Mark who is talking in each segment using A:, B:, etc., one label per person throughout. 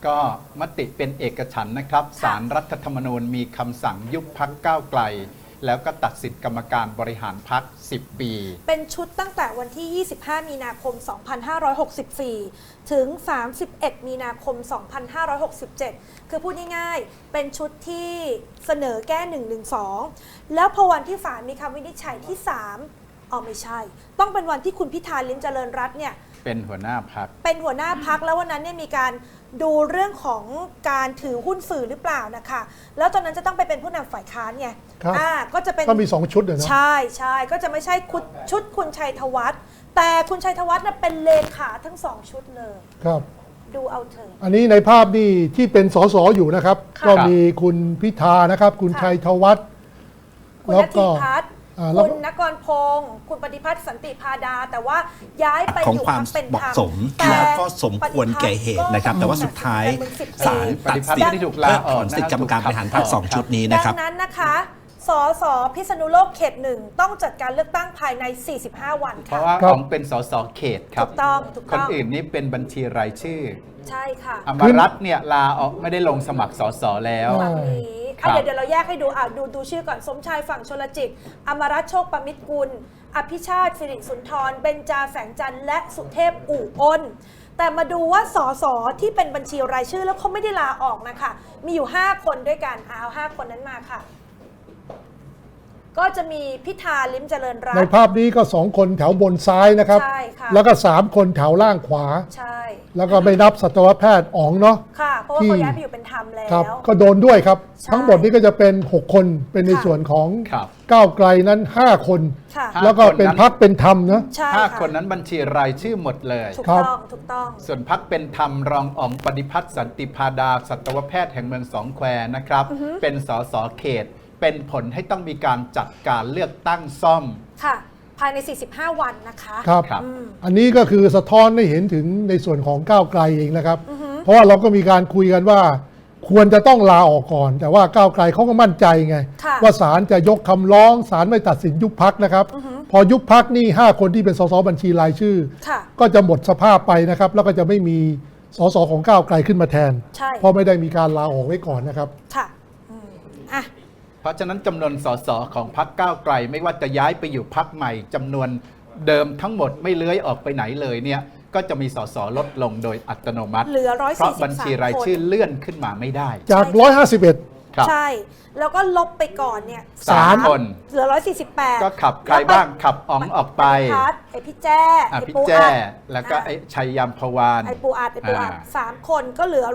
A: ก็มติเป็นเอกฉันท์นะครับศาลรัฐธรรมนูญมีคำสั่งยุบพรรคก้าวไกลแล้วก็ตัดสิทธิกรรมการบริหารพรรค10 ปี
B: เป็นชุดตั้งแต่วันที่ 25 มีนาคม 2564 ถึง 31 มีนาคม 2567 คือพูดง่ายๆเป็นชุดที่เสนอแก้ 112 แล้วพอวันที่ศาลมีคำวินิจฉัยที่ 3ไม่ใช่ต้องเป็นวันที่คุณพิธาลิ้มเจริญรัตน์เนี่ย
A: เป็นหัวหน้าพรรค
B: แล้ววันนั้นเนี่ยมีการดูเรื่องของการถือหุ้นสื่อหรือเปล่านะคะแล้วตอนนั้นจะต้องไปเป็นผู้นำฝ่ายค้านไงก็จะเป็น
C: ก็มี2ชุดเลยนะ
B: ใช่ก็จะไม่ใช่ชุดคุณชัยธวัฒน์แต่คุณชัยธวัฒน์น่ะเป็นเลขาทั้ง2ชุดเลย
C: ครับ
B: ดูเอาเถอะ
C: อันนี้ในภาพนี่ที่เป็นสสอยู่นะครับก็มีคุณพิธานะครับคุณชัยธวัฒน์
B: คุณณทิพัฒน์คุณนกรพงศ์คุณปฏิพัฒน์สันติพาดาแต่ว่าย้ายไปอยู่ความเป็นธรรม
D: และก็สมควรแก่เหตุนะครับแต่ว่าสุดท้ายศาลตัดสิทธิ์
A: ที่ถูกลาออก
D: สิทธิกรรมการบริหารพรรค2ชุดนี้นะครับ
B: ดังนั้นนะคะสสพิษณุโลกเขต 1ต้องจัดการเลือกตั้งภายใน45 วัน
A: เพราะว่าของเป็นสสเขตครับ
B: ถูกต้อง
A: คนอื่นนี่เป็นบัญชีรายชื่อ
B: ใช่ค่ะ
A: อมรัตน์เนี่ยลาออกไม่ได้ลงสมัครสสแล้ว
B: เดี๋ยวเราแยกให้ดูดูชื่อก่อนสมชายฝั่งชลจิตอมรัตน์โชคประมิตรกุลอภิชาติสิริสุนทรเบญจาแสงจันทร์และสุเทพอู่อ้นแต่มาดูว่าสสที่เป็นบัญชีรายชื่อแล้วเขาไม่ได้ลาออกนะคะมีอยู่5คนด้วยกันเอา5คนนั้นมาค่ะก็จะมีพิธาลิ้มเจริญรัตน์
C: ในภาพนี้ก็2คนแถวบนซ้ายนะครับ
B: ใช่ค่ะ
C: แล้วก็3คนแถวล่างขวา
B: ใช่
C: แล้วก็ไม่นับสัตวแพทย์อ๋องเนาะ
B: ค่ะเพราะว่าเขาย้ายไปอยู่เป็นธรรมแล้ว
C: ก็โดนด้วยครับทั้งหมดนี้ก็จะเป็น6คนเป็นในส่วนของก้าวไกลนั้น5คนแล้วก็เป็นพรรคเป็นธรรมนะ
A: 5คนนั้นบัญชีรายชื่อหมดเลย
B: ถูกต้อง
A: ส่วนพรรคเป็นธรรมรองอ๋องปฏิพัฒน์สันติพาดาสัตวแพทย์แห่งเมืองสองแควนะครับเป็นสสเขตเป็นผลให้ต้องมีการจัดการเลือกตั้งซ่อม
B: ค่ะภายใน45 วันนะคะ
C: ครับอันนี้ก็คือสะท้อนให้เห็นถึงในส่วนของก้าวไกลเองนะครับเพราะว่าเราก็มีการคุยกันว่าควรจะต้องลาออกก่อนแต่ว่าก้าวไกลเขาก็มั่นใจไงว่าศาลจะยกคำร้องศาลไม่ตัดสินยุบพรรคนะครับพอยุบพรรคนี่5คนที่เป็นสสบัญชีรายชื่อก็จะหมดสภาพไปนะครับแล้วก็จะไม่มีสสของก้าวไกลขึ้นมาแทนเพราะไม่ได้มีการลาออกไว้ก่อนนะครับ
B: ค่ะ
A: เพราะฉะนั้นจำนวนสสของพรรคก้าวไกลไม่ว่าจะย้ายไปอยู่พรรคใหม่จำนวนเดิมทั้งหมดไม่เลื้อยออกไปไหนเลยเนี่ยก็จะมีสสลดลงโดยอัตโนมัติ
B: เหลือ143
A: เพราะบัญชีรายชื่อเลื่อนขึ้นมาไม่ได้
C: จาก151
B: ใช่แล้วก็ลบไปก่อนเนี่ย
A: 3คน
B: เหลือ148
A: ก็ขับใครบ้างขับอ๋องออกไป
B: ไอพี่แจ้
A: พี่แจ้แล้วก็ไอชัยยามพวาน
B: ไอปูอัด3คนก็เหลือ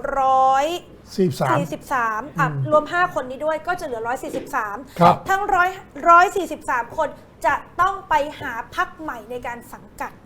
B: 143รวม5คนนี้ด้วยก็จะเหลือ143ทั้ง143คนจะต้องไปหาพรรคใหม่ในการสังกัด